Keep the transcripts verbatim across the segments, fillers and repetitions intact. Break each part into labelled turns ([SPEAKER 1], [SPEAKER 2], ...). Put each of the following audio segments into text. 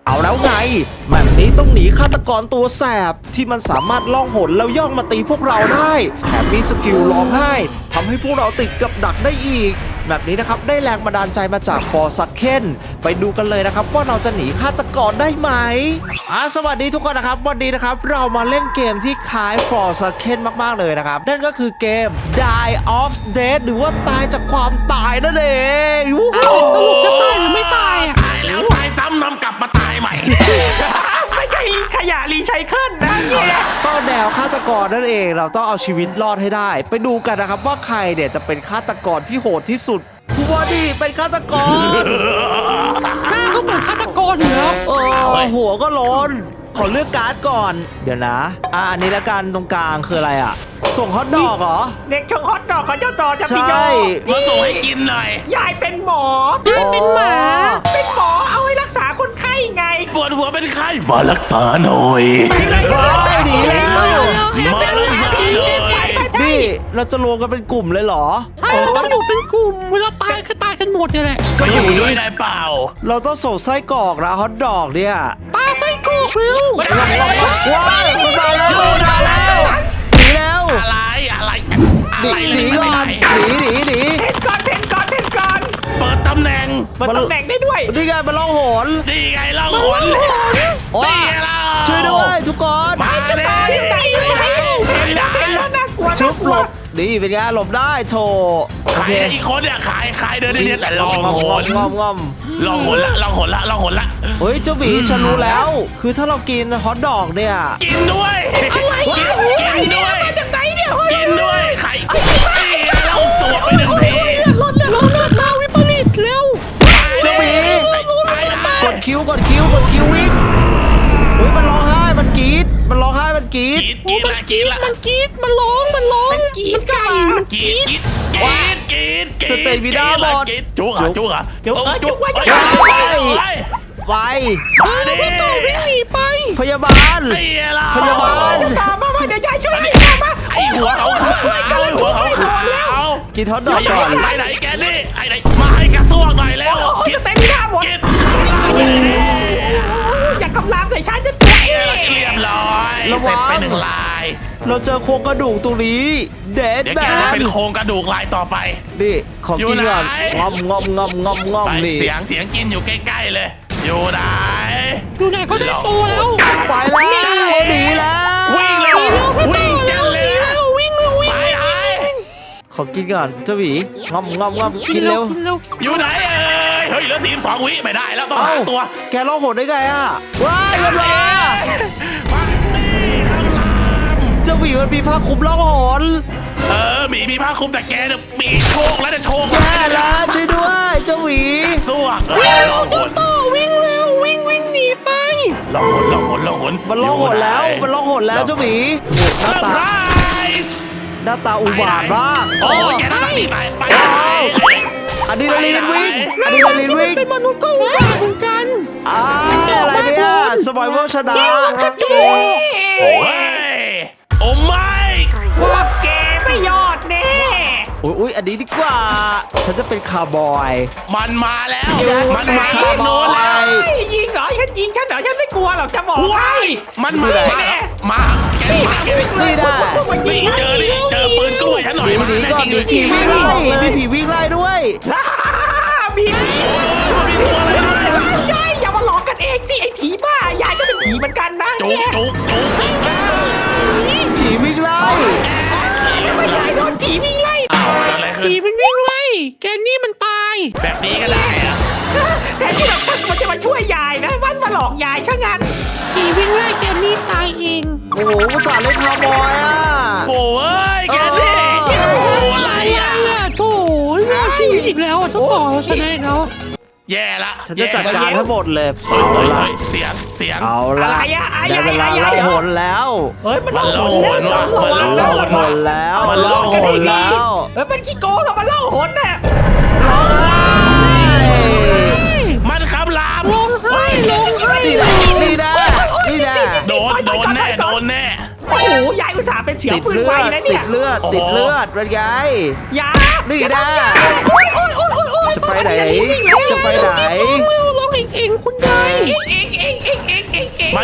[SPEAKER 1] เอาแล้วไงแบบนี้ต้องหนีฆาตกรตัวแสบที่มันสามารถล่องหนแล้วย่องมาตีพวกเราได้แถมมีสกิลร้องไห้ทำให้พวกเราติดกับดักได้อีกแบบนี้นะครับได้แรงบันดาลใจมาจากฟอร์ซักเคนไปดูกันเลยนะครับว่าเราจะหนีฆาตกรได้ไหมอ่าสวัสดีทุกคนนะครับวันนี้นะครับเรามาเล่นเกมที่คล้ายฟอร์ซักเคนมากๆเลยนะครับนั่นก็คือเกม Die of Death หรือว่าตายจากความตายนั่นเอง
[SPEAKER 2] สรุปจะตายหรือไม่ตายอ่ะ
[SPEAKER 3] ตายแล้วตายซ้ำนำกลับมาตายใหม่
[SPEAKER 2] ไม่ใช่ขยะรีไซเคิลนะเนี่ย
[SPEAKER 1] ก็แนวฆาตกรนั่นเองเราต้องเอาชีวิตรอดให้ได้ไปดูกันนะครับว่าใครเนี่ยจะเป็นฆาตกรที่โหดที่สุดคุณบอดี้เป็นฆาตกร
[SPEAKER 2] หน้าก็เหมือนฆาตกรอยู่แล้ว
[SPEAKER 1] เออหัวก็โล้นขอเลือกการ์ดก่อนเดี๋ยวนะอ่ะอันนี้ละกันตรงกลางคืออะไรอ่ะส่งฮอตดอกเหรอ
[SPEAKER 2] เด็กชงฮอตดอกของเจ้าต่อจะพี่โย
[SPEAKER 3] มาส่งให้กินหน่อย
[SPEAKER 2] ยายเป็นหมอยายเป็นหมาเป็นหมอเอาไว้รักษาคนไข้ไง
[SPEAKER 3] ปวดหัวเป็นไข้มารักษาหน่อย
[SPEAKER 1] ไปหนีแล้ว
[SPEAKER 3] มารักษาหน่อย
[SPEAKER 1] นี่เราจะรวมกันเป็นกลุ่มเลยเหรอ
[SPEAKER 2] ใช่เราต้องอยู่เป็นกลุ่มเวลาตายก็ตายกันหมดเลยแหละ
[SPEAKER 3] ก็อยู่ด้วยได้เปล่า
[SPEAKER 1] เราต้องส่งไส้กรอกนะฮอตดอกเนี่ย
[SPEAKER 2] ปลาไส้กรอกเร็ว
[SPEAKER 1] ว้าวมันมาแล้วมาแล้วหนีแล้ว
[SPEAKER 3] อะไรอะไร
[SPEAKER 1] หนีหนีก่อนหนีหนีหนี
[SPEAKER 2] เทนก่อนเทนก่อนเทนก่อน
[SPEAKER 3] เปิดตำแหน่ง
[SPEAKER 2] เปิดตำแหน่งได้ด้วย
[SPEAKER 1] นี่ไงมันล่องหน
[SPEAKER 3] นี่ไงล่องหน
[SPEAKER 1] โอ้ยช่วยด้วยทุกคน
[SPEAKER 3] มาเด้
[SPEAKER 1] ชุบหลบดีเป็นไงหลบได้โชว์
[SPEAKER 3] ขายอีกคนเนี่ยขายขายเดินเดินแต่ลองหน
[SPEAKER 1] งอมงอม
[SPEAKER 3] ลองหนละลองหนละลองหนละ
[SPEAKER 1] เฮ้ยเจ้าหมีฉันรู้แล้วคือถ้าเรากินฮอทดอกเนี่ย
[SPEAKER 3] กินด้วยกินด้วย
[SPEAKER 2] มาจากไหนเนี่ย
[SPEAKER 3] กินด้วยไข่เราสวมไปหนึ่งที
[SPEAKER 2] รถเนี่ยรถเนี่ยมาวิปริตเร็ว
[SPEAKER 1] เจ้าหมีกดคิ้วกดคิ้วกดคิ้ววิ่งเฮ้ยมันร้องไห้มันกรี๊ดมันร้องไห้มันกรี๊ด
[SPEAKER 3] กินละกินละ
[SPEAKER 2] มันกรี๊ดมันร้องมันร้องมันกรี๊ดไก่มันกรี๊ด
[SPEAKER 3] กินกินกิน
[SPEAKER 1] สเตมิน่าหมด
[SPEAKER 3] จุกอ่ะจุกอ่ะ
[SPEAKER 2] จุกจุกไว้
[SPEAKER 1] ไปไป
[SPEAKER 2] ไปพี่ต่อวิ่งหนีไป
[SPEAKER 1] พยาบาลพยาบาล
[SPEAKER 2] ตามมาเดี๋ยวยายช่วยมา
[SPEAKER 3] ไอหัวเขาขาวหัวเขาขาว
[SPEAKER 1] กินฮอตดอกก่อน
[SPEAKER 3] ไปไหนแกนี่ไอไหนมาให้กระซวกหน่อยแล้ว
[SPEAKER 2] กินเต็มหน้าหมด
[SPEAKER 3] กินข้าวไปเลย
[SPEAKER 2] อย่ากำลามใส่ฉันจะเตะ
[SPEAKER 3] เรียบร้อยเสร็จไปหนึ่งลาย
[SPEAKER 1] เราเจอโครงกระดูกตรงนี้เด็ดแบน
[SPEAKER 3] เป็นโครงกระดูกลายต่อไป
[SPEAKER 1] นี่ของกินก่อนงอมงอมงอมงอมงอมนี่
[SPEAKER 3] เสียงเสียงกินอยู่ใกล้ๆเลยอยู่ไหน
[SPEAKER 2] อยู่ไหนเขาได้โตแล้ว
[SPEAKER 1] ไปแล้วหนีแล้ว
[SPEAKER 3] วิ่งเร็ววิ่งกันเลย
[SPEAKER 2] วิ่งเร็ววิ่ง
[SPEAKER 3] ไปไหน
[SPEAKER 1] ขอกินก่อนเจ้าหวีงอมงอมงอมกินเร็ว
[SPEAKER 3] อยู่ไหนเอ้ยเฮ้ยเหลือสี่สิบสองวิไม่ได้แล้วต้องหาตัว
[SPEAKER 1] แกร้องโหดได้ไงอ่ะว้ายมันมาเจ้าหวีมันมีผ้าคลุมร้องโหด
[SPEAKER 3] เออหมีมีผ้าคลุมแต่แกเนี่ยมีโชคแล้วจะโชค
[SPEAKER 1] แย่แล้วช่วยด้วยเจ้าหวี
[SPEAKER 3] สู้อ่ะ
[SPEAKER 2] ลองหนต่อวิ่งเร็ววิ่งวิ่งหนีไป
[SPEAKER 3] ลองหนลองหนลองหน
[SPEAKER 1] มันร้องโหดแล้วมันร้องโหดแล้วเจ้าหวี
[SPEAKER 3] หน้าตา
[SPEAKER 1] หน้าตาอุบาทมาก
[SPEAKER 3] โอ้ยแกน่าตีตายไป
[SPEAKER 1] อะดรีนาลีนวิ่งอะดรีนาลีนวิ่ง
[SPEAKER 2] เป็นมนุษย์ก็อุบาทเหมือนกัน
[SPEAKER 1] อ่าอะไรเนี่ยสปอยเวอร์ชนะ
[SPEAKER 3] โอ้ยโอ้ไม่
[SPEAKER 2] พวกแกไม่ยอดแน่
[SPEAKER 1] อุ้ยอันนี้ดีกว่าฉันจะเป็นคาร์บอย
[SPEAKER 3] มันมาแล้วมันมาโน่นเลย
[SPEAKER 2] ยิงเหรอฉันยิงฉันเหรอฉันไม่กลัวหรอกจะบอก
[SPEAKER 3] ให้มันมามาแกมาแก
[SPEAKER 1] นี่ได้
[SPEAKER 3] นี่เจอนี่เจอปืนกล้วยฉันหน่อย
[SPEAKER 1] มีก่อนมีผีวิ่งไล่มีผีวิ่งไล่ด้วย
[SPEAKER 2] ผีมีตัวอะไรด้วยยายอย่ามาหลอกกันเองสิไอ้ผีบ้ายายก็เป็นผีเหมือนกันนะ
[SPEAKER 3] จุกจุกจุก
[SPEAKER 1] ผีวิ่งไล่
[SPEAKER 2] ไม่ยายโดนผีวิ่งไล่ผีมันวิ่งไล่แกนี่มันตาย
[SPEAKER 3] แบบนี้ก็ได้อะ
[SPEAKER 2] แต่ที่แบบมันจะมาช่วยยายนะมันมาหลอกยายช่างงั้นผีวิ่งไล่แกนี่ตายเอง
[SPEAKER 1] โอ้โหภาษาเล่นคาร์บอยอ่ะ
[SPEAKER 3] โอ้ยแกนี่
[SPEAKER 2] อะไรอ่ะโถ่เรื่องชีวิตอีกแล้วต้องบอกเราชนะแล้ว
[SPEAKER 3] แย่ละ
[SPEAKER 1] ฉันจะจัดการทั้งหมดเลย
[SPEAKER 3] เอาละเสียงเสียง
[SPEAKER 1] เอาละได้เวลาล่องหนแล้ว
[SPEAKER 2] เฮ้ยมัน
[SPEAKER 3] ล่องหนว่ะมันล่องหน
[SPEAKER 1] แล้วมันล่องหนแล้ว
[SPEAKER 2] เฮ้ยมันขี้โกงเหรอมันล่องหนน่ะ
[SPEAKER 1] ร้องไห้
[SPEAKER 3] มันคำราม
[SPEAKER 2] ร้องไห้ร้องไห้
[SPEAKER 1] นี่นะนี่นะนี่นะ
[SPEAKER 3] โดนโดนแน่โดนแน่
[SPEAKER 2] โอ้โหยายอุตส่าห์เป็นเฉียวปืนไวนะเนี่ย
[SPEAKER 1] ติดเลือดติดเลือดเป็นไง
[SPEAKER 2] ยา
[SPEAKER 1] นี่นะจะไปไหนจะไปไหน
[SPEAKER 2] ร้องเองเองคุณยาย
[SPEAKER 1] เ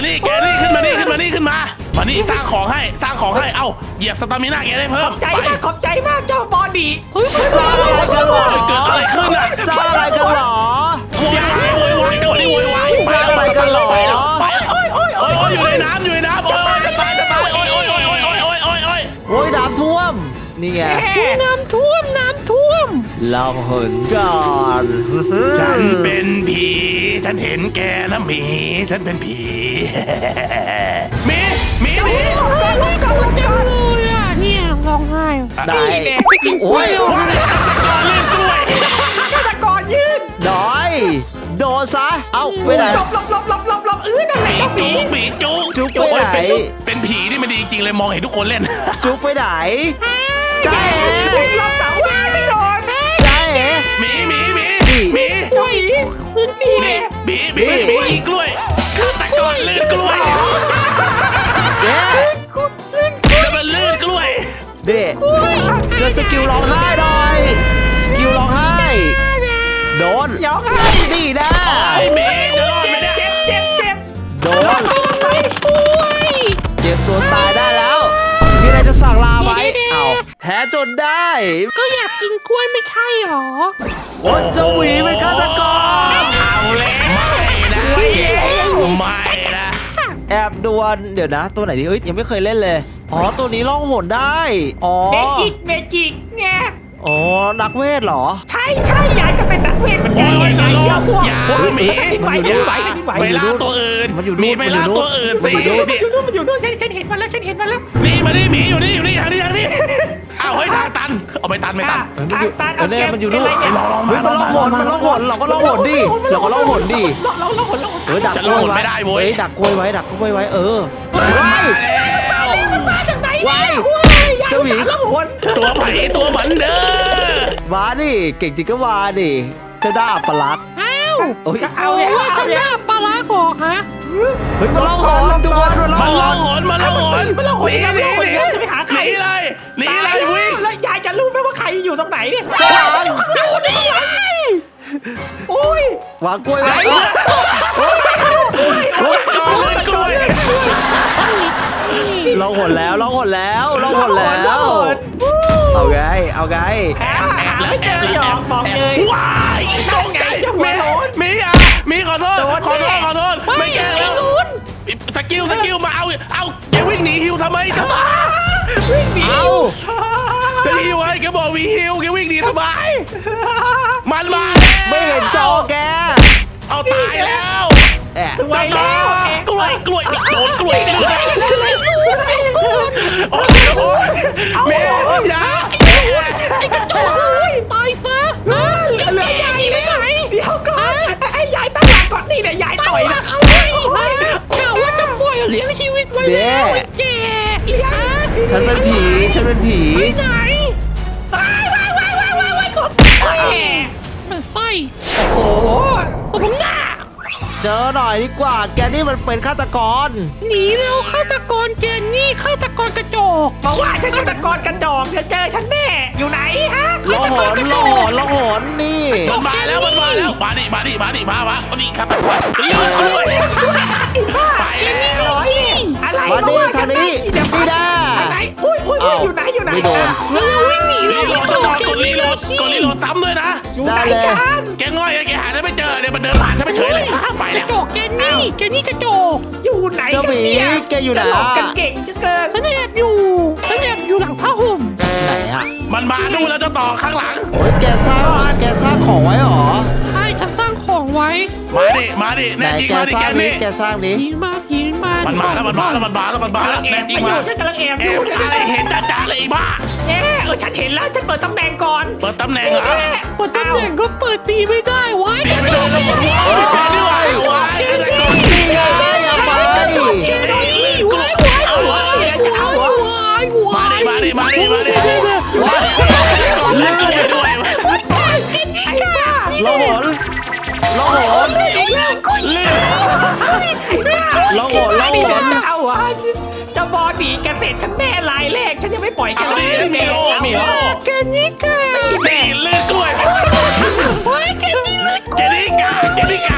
[SPEAKER 3] นี่แกนี่ขึ้นมานี่ขึ้นมานี่ขึ้นมามานี่สร้างของให้สร้างของให้เอ้าเหยียบสตามิน่าแกได้เพิ่
[SPEAKER 2] ข
[SPEAKER 3] ม
[SPEAKER 2] อบใจ
[SPEAKER 3] ไป
[SPEAKER 2] มากขอบใจมากเจ้าบอดี้
[SPEAKER 1] สร้างอะไรกันเหรอ
[SPEAKER 3] เกิดอะไรขึ้นอ่ะ
[SPEAKER 1] สร้างอะไรกันเหรอ
[SPEAKER 3] โวยวายโวยวายเดี๋ยวนี้โวยวาย
[SPEAKER 1] สร้างอะไรกันเหรอ
[SPEAKER 3] ไปแล้วไปแล้วโอ้ยโอ้ยโอ้ยอยู่ในน้ำอยู่ในน้ำโอ้ยจะตายจะตายโอ้ยโอ้ยโอ้ยโอ้ยโอ้ยโอ้ยโอ้ยโอ้ย
[SPEAKER 1] โอ้ยน้ำท่วมนี่ไง
[SPEAKER 2] น้ำท่วมน้ำท่วม
[SPEAKER 1] เราเหินก่อน
[SPEAKER 3] ฉันเป็นผีฉันเห็นแกนะหมีฉันเป็นผีหมีหมีหมี
[SPEAKER 2] ลงกันลงกันลงกัน
[SPEAKER 4] เลยอ่ะเนี่ยร้องไห้
[SPEAKER 1] ได้
[SPEAKER 2] นี่แหละไปกินกล้
[SPEAKER 1] โอ้
[SPEAKER 2] วย
[SPEAKER 1] ย
[SPEAKER 3] ก่อนลื่นกล้วย
[SPEAKER 2] ฆาตกรยืน
[SPEAKER 1] ดอยโดนซะเอ้าไปไหน
[SPEAKER 2] หลบหลบหลบหลบหลบหลบเออนั่นแหละ
[SPEAKER 3] หมี
[SPEAKER 2] เจ้าหมี
[SPEAKER 3] จุกหมีจุก
[SPEAKER 1] จุ๊กไปไหน
[SPEAKER 3] โอ้ยเป็นเป็นผีนี่มันดีจริงเลยมองเห็นทุกคนเล่น
[SPEAKER 1] จุ๊บไปไหนจ้าเอ๋
[SPEAKER 2] วิ่งรอบเสาว่าไม่โดน
[SPEAKER 1] จ้าเอ๋
[SPEAKER 3] หมีหมีหมี
[SPEAKER 1] นี่
[SPEAKER 3] หมี
[SPEAKER 2] เจ้าหมีนี่แหละ
[SPEAKER 3] หมีหมีหมีอีกล้วยฆาตกรลื่นกล้วย
[SPEAKER 1] เย้
[SPEAKER 3] แล้วมันลื่นกล้วย
[SPEAKER 1] เด็กเจอสกิลร้องไห้หน่อยสกิลร้องไห้โดน
[SPEAKER 2] ยองให้
[SPEAKER 1] นี่นะ
[SPEAKER 3] ไอ้หมีจะรอดไหมเนี่ย
[SPEAKER 2] เจ็บเจ็บเจ็บ
[SPEAKER 1] โดน
[SPEAKER 4] ป่วย
[SPEAKER 1] เจ็บตัวตายได้แล้วมีอะไรจะสั่งลาไหมเอ้าแท้จนได้
[SPEAKER 4] ก็อยากกินกล้วยไม่ใช่หรอ
[SPEAKER 1] โอ้เจ้าหวีเป็นฆาตกร
[SPEAKER 3] เอาเลยไม่นะไม่นะ
[SPEAKER 1] แอบดวลเดี๋ยวนะ ตัวไหนดีเอ้ยยังไม่เคยเล่นเลยอ๋อตัวนี้ล่องหนได้อ๋อ
[SPEAKER 2] เมจิกเมจิกไง
[SPEAKER 1] อ๋อนักเวทเหรอ
[SPEAKER 2] ใช่ใช่ยายจะเป็นนักเวทเหมือนกั
[SPEAKER 3] โอ้
[SPEAKER 2] น
[SPEAKER 3] ยสโล
[SPEAKER 2] เชื่อพวก
[SPEAKER 3] อย่า
[SPEAKER 2] พวก
[SPEAKER 3] หมี
[SPEAKER 2] ไหว
[SPEAKER 3] อย่า
[SPEAKER 2] ไหวไหว
[SPEAKER 3] ไปล่าตัวอื่น
[SPEAKER 1] มันอยู่นู่น
[SPEAKER 3] มีไปล่าตัวอื่นสิ
[SPEAKER 1] มันอยู่นู่น
[SPEAKER 2] มันอยู่นู่นมันอยู่นู่นฉันฉันเห็นมันแล้วฉันเห็นมันแล้ว
[SPEAKER 3] นี่มาดิหมีอยู่นี่อยู่นี่ทางนี้ทางนี้อ้าวเฮ้ยทางตันเอาไปตันไม่ตัน
[SPEAKER 1] เออมันอยู่
[SPEAKER 2] ตาตา
[SPEAKER 1] เออเนี่ยมันอยู่นู่น
[SPEAKER 2] เาเกม
[SPEAKER 3] ลองลอง
[SPEAKER 1] เฮ้ยมันล่องหนมันล่องหนเราก็ล่องหนดิเราก็ล่องหนดิ
[SPEAKER 2] เราเราเราเรา
[SPEAKER 1] เออดัก
[SPEAKER 3] จะ
[SPEAKER 1] กล้วย
[SPEAKER 3] ล่องหน
[SPEAKER 1] ไว้
[SPEAKER 3] ไม่ได้เว้ย
[SPEAKER 1] เฮ้ยดักกล้วยไว้ดักกล้วยไว้เออว้าย
[SPEAKER 2] มาจากไหน
[SPEAKER 1] ว้าย
[SPEAKER 2] ยาย
[SPEAKER 1] เจ้าหมี
[SPEAKER 2] แล้วหน
[SPEAKER 3] ตัวไผ่ตัวเหมือนเด้อ
[SPEAKER 1] มาดิเก่งจริงก็มาดิเจ้าด้าอัปลักษณ์
[SPEAKER 4] อ้าว
[SPEAKER 1] โอ้ย
[SPEAKER 2] เอา
[SPEAKER 4] โอ้
[SPEAKER 2] เนี่ย
[SPEAKER 4] ว่าฉันหน้าปลาร้าหอฮะ
[SPEAKER 1] เฮ้ยมันล่องหนทุกคนมันล่อง
[SPEAKER 3] มัน
[SPEAKER 1] ห
[SPEAKER 3] ล่อง
[SPEAKER 1] น
[SPEAKER 3] หนมันล่องหน
[SPEAKER 2] มันล่องหน
[SPEAKER 3] หนีหนี
[SPEAKER 2] มัน
[SPEAKER 3] ห
[SPEAKER 2] ล่องหน
[SPEAKER 3] นี
[SPEAKER 2] จะไปหาใค
[SPEAKER 3] ห
[SPEAKER 2] ร
[SPEAKER 3] นีเลยหนีเลยวิ่ง
[SPEAKER 2] แล้วยายจะรู้ไหมว่าใครอยู่ตรงไหนเนี่ย
[SPEAKER 1] ข้างหลัง
[SPEAKER 2] ดูดิโอ้ยว
[SPEAKER 1] างกล้วยไว้
[SPEAKER 3] ก่อนลื่นกล้วย
[SPEAKER 1] ล่องหนแล้วล่องหนแล้วล่องหนแล้ว เอาไงเอาไง
[SPEAKER 2] หาหาไม่เจอหยอกบอกเลย
[SPEAKER 3] ว้ายตกใจมีมีอ่ะมีขอโทษขอโทษขอโทษไม่แกล้งแล้วสกิลสกิลมาเอาเอาแกวิ่งหนีฮิวทำไมจะบ้า
[SPEAKER 2] วิ่งหนี
[SPEAKER 1] เอา
[SPEAKER 3] จะฮิวไอ้แกบอกวีฮิวแกวิ่งหนีทำไมมันมา
[SPEAKER 1] ไม่เห็นจอแก
[SPEAKER 3] เอาตายแล้ว
[SPEAKER 1] แอะ
[SPEAKER 2] ไวแล้ว
[SPEAKER 3] กล้วยกล้วยโดนกล้วยเลยโอ้โหเมย์อย่า
[SPEAKER 4] ไอ้กระจอกเลยตายซะฮะ
[SPEAKER 2] เหลือเหลือยาย
[SPEAKER 4] หนีไปไหน
[SPEAKER 2] เดี๋ยวก่อนไอ้ยายตั้งหลักก่อนนี่เนี่ยยาย
[SPEAKER 4] ต่
[SPEAKER 2] ต่
[SPEAKER 4] อ
[SPEAKER 2] อย ย
[SPEAKER 4] หลั
[SPEAKER 2] นะ
[SPEAKER 4] กเอาไว้ฮะกล่าวว่าจะปล่อยเลี้ยงชีวิตไว้แล้วไอ้แก่ฮะ
[SPEAKER 1] ฉันเป็นผีฉันเป็นผี
[SPEAKER 4] ไปไหน
[SPEAKER 2] ว้ายว้ายว้ายว้ายว้ายว้ายกดแหม
[SPEAKER 4] มันไส้
[SPEAKER 2] โอ้โห
[SPEAKER 4] สมหน้า
[SPEAKER 1] เจอหน่อยดีกว่า แกนี่มันเป็นฆาตกร
[SPEAKER 4] หนีแล้วฆาตกรเจนนี่ฆาตกรกระจอก
[SPEAKER 2] บอกว่าฉันฆาตกรกระจอกจะเจอฉันแน่อยู่ไหนฮะ
[SPEAKER 1] ล่องหนล่องหนล่องหนนี่
[SPEAKER 3] มันมาแล้วมันมาแล้วมาดิมาดิมาดิมามามาดิครับลื่นกล้วยไปแล้ว
[SPEAKER 2] อะไร
[SPEAKER 1] มาดิทางนี้
[SPEAKER 2] จะ
[SPEAKER 1] นี่นะ
[SPEAKER 2] ไหนอุ้ยอุ้ยอยู่ไหนอยู่ไหน
[SPEAKER 1] ไม่โดน
[SPEAKER 4] แล้วเราวิ่งหนี
[SPEAKER 3] รี
[SPEAKER 4] แล้ว
[SPEAKER 3] โหลดต้องรอกดรีโหลดกดรีโหลดซ้ำด้วยนะ
[SPEAKER 2] อยู่ไหน
[SPEAKER 1] ได้เลย
[SPEAKER 2] กัน
[SPEAKER 3] แกง่อยแกหาได้ไม่เจอเนี่ยมันเดินผ่านฉันไปเฉยเลยไป
[SPEAKER 4] ก
[SPEAKER 3] แล้
[SPEAKER 4] ระ
[SPEAKER 3] ว
[SPEAKER 4] จอกเจนนี่เจนนี่กระจอก
[SPEAKER 2] อยู่ไหน
[SPEAKER 1] เจ้าหมี
[SPEAKER 2] กันเนี่ย
[SPEAKER 1] แกอยู่ไหน
[SPEAKER 2] จะหลอกกันเก่งจะเกิน
[SPEAKER 4] ฉันแอบอยู่ฉันแอบอยู่หลังผ้าห่ม
[SPEAKER 1] ไหนอะ
[SPEAKER 3] มันมาดูแล้วจะต่อข้างหลัง
[SPEAKER 1] โอ้ยแกสร้างแกสร้างของไว้เหรอ
[SPEAKER 4] ใช่ฉันสร้างของไว้
[SPEAKER 3] มาดิมาดิ
[SPEAKER 1] ไหน
[SPEAKER 3] แน่จริง
[SPEAKER 1] แก
[SPEAKER 3] มาดิ
[SPEAKER 1] สร้า
[SPEAKER 3] แก
[SPEAKER 1] งนี้
[SPEAKER 3] นี่
[SPEAKER 1] แกสร้างนี้
[SPEAKER 4] ผีมาผีมา
[SPEAKER 3] มันมาแล้วมันมาแล้วมันมาแล้วมันมาแล้ว
[SPEAKER 2] แอ
[SPEAKER 3] แน่
[SPEAKER 2] บ
[SPEAKER 3] จริง
[SPEAKER 2] ไปอ
[SPEAKER 3] มา
[SPEAKER 2] ยู่ฉันกำลังแอบ
[SPEAKER 3] แอ
[SPEAKER 2] อยู่
[SPEAKER 3] บอะไรเห็นจ่าๆเลยไอ้บ้า
[SPEAKER 2] แอบเออฉันเห็นแล้วฉันเปิดตำแหน่งก่อน
[SPEAKER 3] เปิดตำแหน่งเหรอ
[SPEAKER 4] เปิดตำแหน่งก็เปิดตีไม่ได้วะ
[SPEAKER 3] ไม่ได้แล้วผมว่าแกนี่วะวาย
[SPEAKER 1] นี่ไงอย่าไป
[SPEAKER 4] เจนนี่วายวายวายวายวายวา
[SPEAKER 3] มาดิมาดิมาดิมาดิเล่นด้วยด้วย
[SPEAKER 4] เจนนี่
[SPEAKER 2] ไอ้
[SPEAKER 4] ค่ะ
[SPEAKER 2] บ้า
[SPEAKER 1] ล่องหนล่องหน
[SPEAKER 3] ลื่น
[SPEAKER 1] ล่องหนล่องหน
[SPEAKER 2] จะเอาวะจะบอดีแกเสร็จฉันแน่ลายแรกฉันยังไม่ปล่อยแก
[SPEAKER 3] เอาดิมีโลมีโล
[SPEAKER 4] เจนนี่ค่ะ
[SPEAKER 3] นี่ลื่นกล้วย
[SPEAKER 4] ว้ายเจนนี่เลย
[SPEAKER 3] เจนี่กาเจนี่กาลื่นกล้วย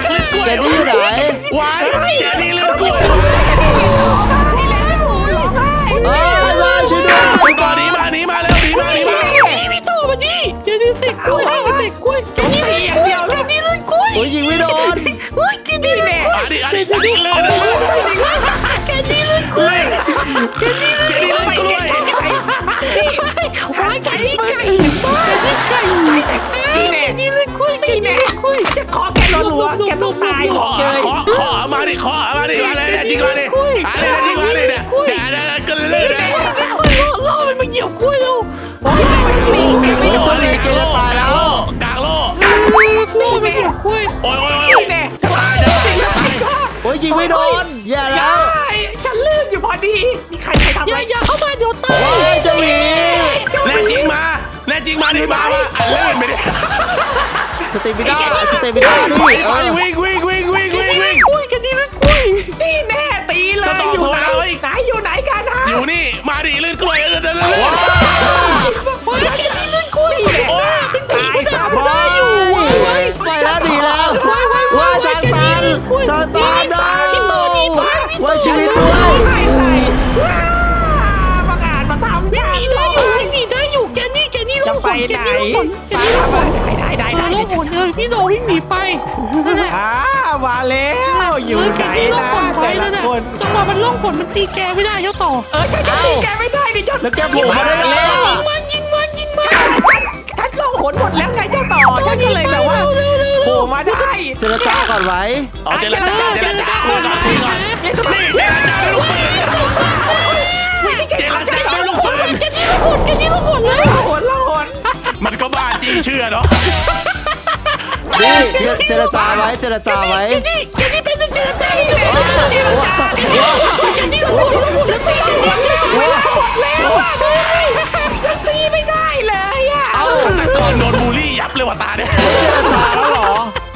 [SPEAKER 3] ล้วย
[SPEAKER 1] แกนี่อยู่ไหน
[SPEAKER 3] หวานแกนี่เลือดกล้วย
[SPEAKER 2] นี่แหละโอ้ร้องไห้
[SPEAKER 1] เอ้ยมาช่วยด้วย
[SPEAKER 3] ตอนนี้มาหนีมาเร็วหนีมาหนีมา
[SPEAKER 4] นี่พี่โตมาดิเจนี่เสกกล้วยให้เสกกล้วยแกนี่เลยกล้วยแกนี่เลยกล้วย
[SPEAKER 1] โอ้ยยิงไม่โดน
[SPEAKER 4] เฮ้ยแกนี่เลย
[SPEAKER 3] อันนี้อันนี้อันนี้เลือด
[SPEAKER 4] แกนี่เลยกล้วย
[SPEAKER 3] แกนี่เลือดกล้วย
[SPEAKER 4] หาแกนี่ไก่แกนี่ไก่แกนี่เลยกล้วยแก
[SPEAKER 2] นี่
[SPEAKER 4] นี่
[SPEAKER 2] แน่
[SPEAKER 4] เลยกล้วย
[SPEAKER 2] จะขอแกรัวๆแกต้องตาย
[SPEAKER 3] ขอ
[SPEAKER 2] เลย
[SPEAKER 3] ขอขอมาดิขอมาดิมาเลยจริงมาดิอะไรจริงมาดิเนี่ยอย่าได้กันเลยนะ
[SPEAKER 4] ล่อล่อมันมาเหยียบกล้วยเรา
[SPEAKER 1] โอ้ยเจ้าหมีแกจะตายแล้ว
[SPEAKER 3] กลางโลก
[SPEAKER 4] ล่อมันเหยียบกล้วย
[SPEAKER 3] โอ้ยโอ้ย
[SPEAKER 2] นี่แน่
[SPEAKER 1] โอ้ยยิงไม่โดนแย่แล้ว
[SPEAKER 2] ฉันลืมอยู่พอดีมีใครใครทำ
[SPEAKER 4] อ
[SPEAKER 2] อะไร
[SPEAKER 4] ย่าอย่าเข้ามาเดี๋ยวตาย
[SPEAKER 1] โอ้ยเจ้าหมี
[SPEAKER 3] แน่จริงมาแน่จริงมาดิมาว่าอันเล่นไปดิ
[SPEAKER 1] สเตมิด้าสเตมิด้านี่
[SPEAKER 3] ไป
[SPEAKER 1] เออ
[SPEAKER 3] วิ่งวิ่งวิ่งวิ่งวิ่งวิ่ง
[SPEAKER 4] กล้วยแกนี่เลยกล้วย
[SPEAKER 2] นี่แน่ตีเลยอยู่ไหนไหนอยู่ไหนกันฮะ
[SPEAKER 3] อยู่นี่มาดิลื่นกล้วยลื่นลื่นลื่น
[SPEAKER 4] ว้ายแกนี่เลยกล้วย
[SPEAKER 3] โอ้
[SPEAKER 4] เป็นผีมันทำ
[SPEAKER 1] ว้า
[SPEAKER 4] ได้อยู่
[SPEAKER 1] ย
[SPEAKER 4] ว้าย
[SPEAKER 1] ไปแล้วหนีแล้ว
[SPEAKER 4] ว้ายว้าย
[SPEAKER 1] ว่า
[SPEAKER 4] ว้าย
[SPEAKER 1] ทางตันทางตันได้
[SPEAKER 4] พี่โตนี่ว้ายพี่โต
[SPEAKER 1] ว่าชีวิตด้ว
[SPEAKER 2] ใส่
[SPEAKER 1] ย
[SPEAKER 2] ใส่บังอาจมาทำ
[SPEAKER 4] ห
[SPEAKER 2] ฉัน
[SPEAKER 4] นีได้อยู่หนีได้อยู่แกนี่แกนี่
[SPEAKER 2] จะ
[SPEAKER 4] ล่อง
[SPEAKER 2] ไป
[SPEAKER 4] หนแก
[SPEAKER 2] ไหน
[SPEAKER 4] นี่ล่องหนแก
[SPEAKER 2] ได้
[SPEAKER 4] นี่ล่องหน
[SPEAKER 2] ได้ได้ได้
[SPEAKER 4] ล่องหนเลยพี่โตวิ่งหนีไปนั่นแหละ
[SPEAKER 2] อ่ามาแล้วอยู่
[SPEAKER 4] แก
[SPEAKER 2] ไหน
[SPEAKER 4] นี่ล่อง
[SPEAKER 2] นะ
[SPEAKER 4] หนไว้
[SPEAKER 2] แต่
[SPEAKER 4] นั่น
[SPEAKER 2] ละ
[SPEAKER 4] แหละ
[SPEAKER 2] คน
[SPEAKER 4] จังหวะมันล่องหนมันตีแกไม่ได้เจ้าต่อ
[SPEAKER 2] เออฉันจะตีแกไม่ได้ดิเจ้า
[SPEAKER 1] แล้วแกโผล่มาได้ไง
[SPEAKER 4] ยิงมันยิงมันยิงมัน
[SPEAKER 2] ฉันลงหนหมดแล้วไงเจ้าต่อฉันก็เลยแบบว่า
[SPEAKER 4] เร็วเร็ว
[SPEAKER 2] โผล่มาได้
[SPEAKER 1] เจรจาก่อนไว้
[SPEAKER 3] เอาเจรจาเจรจาคุยก่อนคุยก่อนนี่เจรจาด้วยลูกปืนเจรจาด้วยลูกปืน
[SPEAKER 4] แกนี่ล่องหนแกนี่ล่องหนเลย
[SPEAKER 2] หนละหน
[SPEAKER 3] มันก็บ้าจี้เชื่อเนาะ
[SPEAKER 1] นี่เจรจาไว้เจรจาไว้
[SPEAKER 4] แกนี่แกนี่เป็นเจรจาแกนี่ล่องหนแกนี่ล่องหนจะตีแกนี่
[SPEAKER 2] แล้วอ่ะตีไม่ได้เลยอ่ะ
[SPEAKER 3] ฆาตกรโดนบูลลี่ยับเลยว่ะตาเนี่ย
[SPEAKER 1] เจรจาแล้ว